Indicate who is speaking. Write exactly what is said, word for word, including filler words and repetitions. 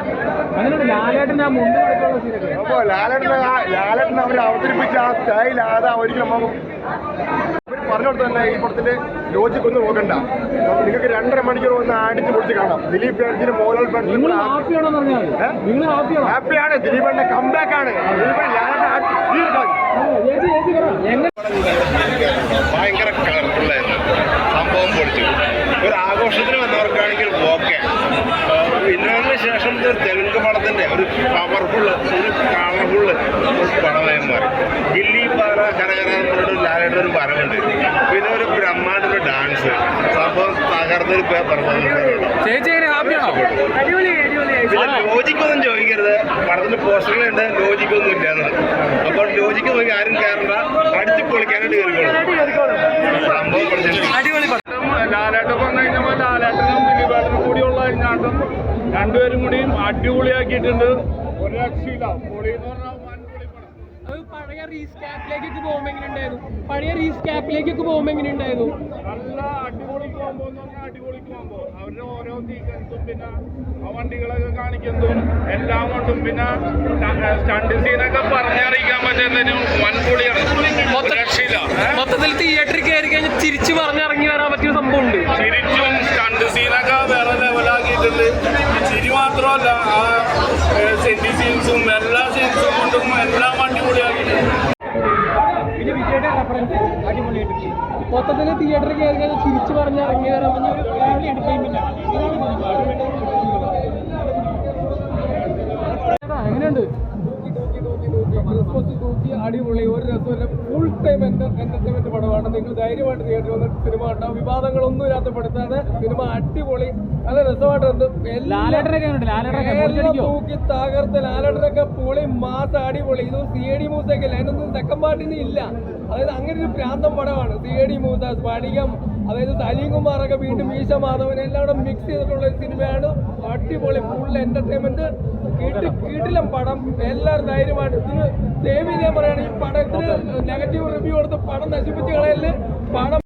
Speaker 1: അപ്പോൾ ലാലേട്ടനെ ലാലേട്ടനെ അവർ അവതരിപ്പിച്ച ആ സ്റ്റൈൽ അതാ ഒരിക്കലും നമുക്ക് അവർ പറഞ്ഞു കൊടുത്തു തന്നെ ഈ പടത്തിന്റെ ലോജിക് ഒന്നും നോക്കണ്ട. നിങ്ങൾക്ക് രണ്ടര മണിക്കൂർ ഒന്ന് അടിച്ച് പൊടിച്ച് കാണാം. ദിലീപ് ഫാൻസിന് മോഹൻലാൽ ഫാൻസിന് ഹാപ്പിയാണ്. ദിലീപന്റെ കംബാക്ക് ആണ്.
Speaker 2: ഭയങ്കര കളർഫുള്ളായിരുന്നു സംഭവം. പൊളിച്ചു. ഒരു ആഘോഷത്തിന് വന്നവർക്കാണെങ്കിൽ ഓക്കെ. ഇന്റർവെല്ലിന് ശേഷം ഒരു തെലുങ്ക് പടത്തിന്റെ ഒരു പവർഫുള്ള് ഒരു കളർഫുള്ള് പടമായി മാറി. ഗില്ലി പാറ കരകരാന്നൊരു ലാലേട്ടൻ ഒരു വരവുണ്ട്. പിന്നെ ഒരു ബ്രഹ്മാണ്ടൊരു ഡാൻസ് സംഭവം തകർന്നൊരു പെർഫോമൻസ്. ലോജിക്കൊന്നും ചോദിക്കരുത്. പടത്തിന്റെ പോസ്റ്ററിലുണ്ട് ലോജിക്കൊന്നും ഇല്ലാന്ന്. അപ്പോൾ ലോജിക്ക് നോക്കി ആരും കയറണ്ട. അടിച്ചു പൊളിക്കാനായിട്ട് കയറിക്കോളും. സംഭവം അടിപൊളി.
Speaker 3: ലാലേട്ടൻ വന്നു കഴിഞ്ഞപ്പോൾ ലാലേട്ടനും ദിലീപേട്ടനും കൂടിയുള്ള അഴിഞ്ഞാട്ടം രണ്ടുപേരും കൂടിയും അടിപൊളിയാക്കിയിട്ടുണ്ട്. ഒരു രക്ഷയില്ല. പൊളി എന്ന് പറഞ്ഞാൽ
Speaker 4: അത് പഴയ റീസ്കാപ്പിലേക്കൊക്കെ പോകുമ്പോൾ എങ്ങനെ ഉണ്ടായിരുന്നു? പഴയ റീസ്കാപ്പിലേക്കൊക്കെ പോകുമ്പോൾ എങ്ങനെ ഉണ്ടായിരുന്നു?
Speaker 3: നല്ല അടിപൊളി കോമ്പോ എന്ന് പറഞ്ഞാൽ അടിപൊളി കോമ്പോ. അവരുടെ ഓരോ സീക്വൻസും പിന്നെ ആ വണ്ടികളൊക്കെ കാണിക്കുന്നതും എല്ലാം കൊണ്ടും പിന്നെ സ്റ്റണ്ട് സീനൊക്കെ പറഞ്ഞറിയിക്കാൻ പറ്റുന്നതിന് വൻപൊളിയാണ്. രക്ഷയില്ല.
Speaker 4: മൊത്തത്തിൽ തിയേറ്ററിൽ കയറി കഴിഞ്ഞാൽ തിരിച്ചു പറഞ്ഞിറങ്ങി വരാൻ പറ്റിയ സംഭവം ഉണ്ട്.
Speaker 3: ചിരിച്ചും സ്റ്റണ്ട് സീനൊക്കെ വേറെ ലെവലാക്കിയിട്ടുണ്ട്. ചിരി മാത്രമല്ല ആ സെന്റി സീൻസും എല്ലാ സീൻസും കൊണ്ടും എല്ലാം അടിപൊളിയാക്കിയിട്ടുണ്ട്.
Speaker 4: മൊത്തത്തിൽ തിയേറ്ററിൽ കയറി കഴിഞ്ഞാൽ തിരിച്ചു പറഞ്ഞിറങ്ങി വരാൻ പറ്റിയ ഒരു ഫാമിലി എന്റർടൈൻമെന്റ് ആണ്. എങ്ങനെയുണ്ട്? ക്രിസ്മസ് തൂക്കി അടിപൊളി. ഒരു രസമല്ല. ഫുൾ ടൈം എന്റർടൈൻമെന്റ് പടമാണ്. നിങ്ങൾ ധൈര്യമായിട്ട് തിയേറ്ററിൽ വന്ന് സിനിമ കണ്ടാൽ വിവാദങ്ങളൊന്നും ഇല്ലാത്തപ്പെടുത്താതെ സിനിമ അടിപൊളി. നല്ല രസമായിട്ടുണ്ട്. എല്ലാം തൂക്കി തകർത്ത് ലാലേട്ടനൊക്കെ പൊളി മാസം അടിപൊളി. ഇത് സി എ ഡി മൂസൊക്കെ ഇല്ല. അതിനൊന്നും സെക്കൻഡ് പാർട്ടിന് ഇല്ല. അതായത് അങ്ങനെ ഒരു പ്രാന്തം പടമാണ് C I D Moosa. Sphadikam, അതായത് സലീം കുമാറൊക്കെ വീണ്ടും മീശ മാധവൻ എല്ലാം കൂടെ മിക്സ് ചെയ്തിട്ടുള്ള ഒരു സിനിമയാണ്. അടിപൊളി. Full entertainment. കിട്ടി കിടിലം പടം. എല്ലാവരും ധൈര്യമായിട്ട് ഇതിന് സേവ് ചെയ്യാൻ പറയുകയാണ്. ഈ പടത്തിന് നെഗറ്റീവ് റിവ്യൂ കൊടുത്ത് പടം നശിപ്പിച്ച് കളയല്. പടം